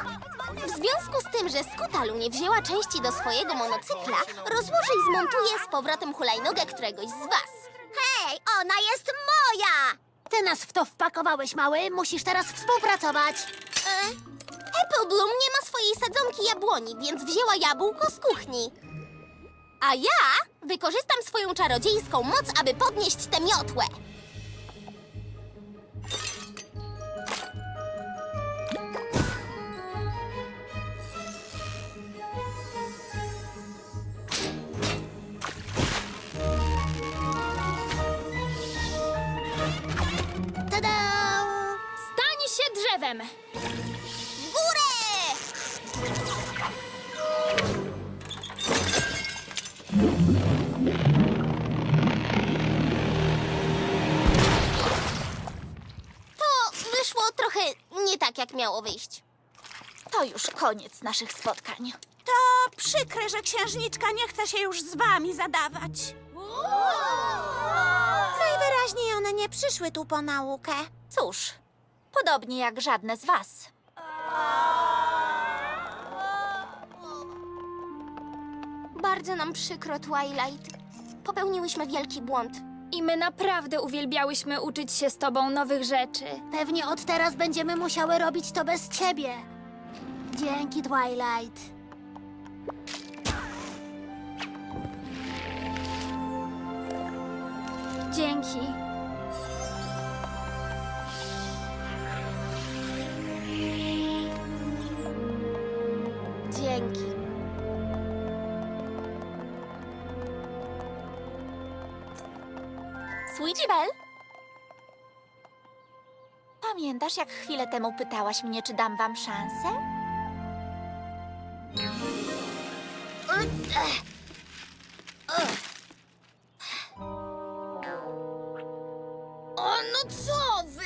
W związku z tym, że Skutalu nie wzięła części do swojego monocykla, rozłoży i zmontuje z powrotem hulajnogę któregoś z was. Hej, ona jest moja! Ty nas w to wpakowałeś, mały. Musisz teraz współpracować. Apple Bloom nie ma swojej sadzonki jabłoni, więc wzięła jabłko z kuchni. A ja wykorzystam swoją czarodziejską moc, aby podnieść tę miotłę. Tada! Stań się drzewem! W górę! To wyszło trochę nie tak, jak miało wyjść. To już koniec naszych spotkań. To przykre, że księżniczka nie chce się już z wami zadawać. Najwyraźniej one nie przyszły tu po naukę. Cóż, podobnie jak żadne z was. Bardzo nam przykro, Twilight. Popełniłyśmy wielki błąd. I my naprawdę uwielbiałyśmy uczyć się z tobą nowych rzeczy. Pewnie od teraz będziemy musiały robić to bez ciebie. Dzięki, Twilight. Dzięki. Dzięki. Sweetie Belle? Pamiętasz, jak chwilę temu pytałaś mnie, czy dam wam szansę? O, no co wy?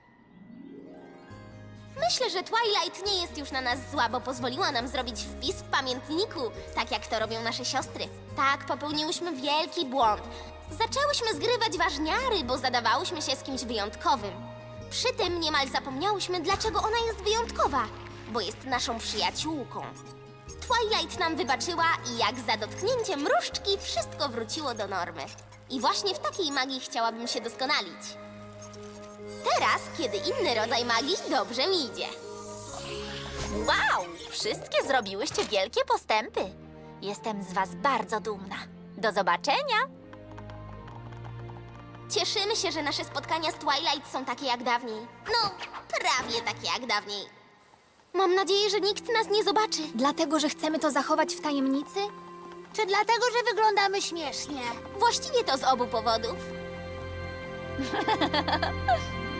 Myślę, że Twilight nie jest już na nas zła, bo pozwoliła nam zrobić wpis w pamiętniku, tak jak to robią nasze siostry. Tak, popełniłyśmy wielki błąd. Zaczęłyśmy zgrywać ważniary, bo zadawałyśmy się z kimś wyjątkowym. Przy tym niemal zapomniałyśmy, dlaczego ona jest wyjątkowa, bo jest naszą przyjaciółką. Twilight nam wybaczyła i jak za dotknięciem różdżki wszystko wróciło do normy. I właśnie w takiej magii chciałabym się doskonalić. Teraz, kiedy inny rodzaj magii dobrze mi idzie. Wow! Wszystkie zrobiłyście wielkie postępy. Jestem z was bardzo dumna. Do zobaczenia! Cieszymy się, że nasze spotkania z Twilight są takie jak dawniej. No, prawie takie jak dawniej. Mam nadzieję, że nikt nas nie zobaczy. Dlatego, że chcemy to zachować w tajemnicy? Czy dlatego, że wyglądamy śmiesznie? Właściwie to z obu powodów.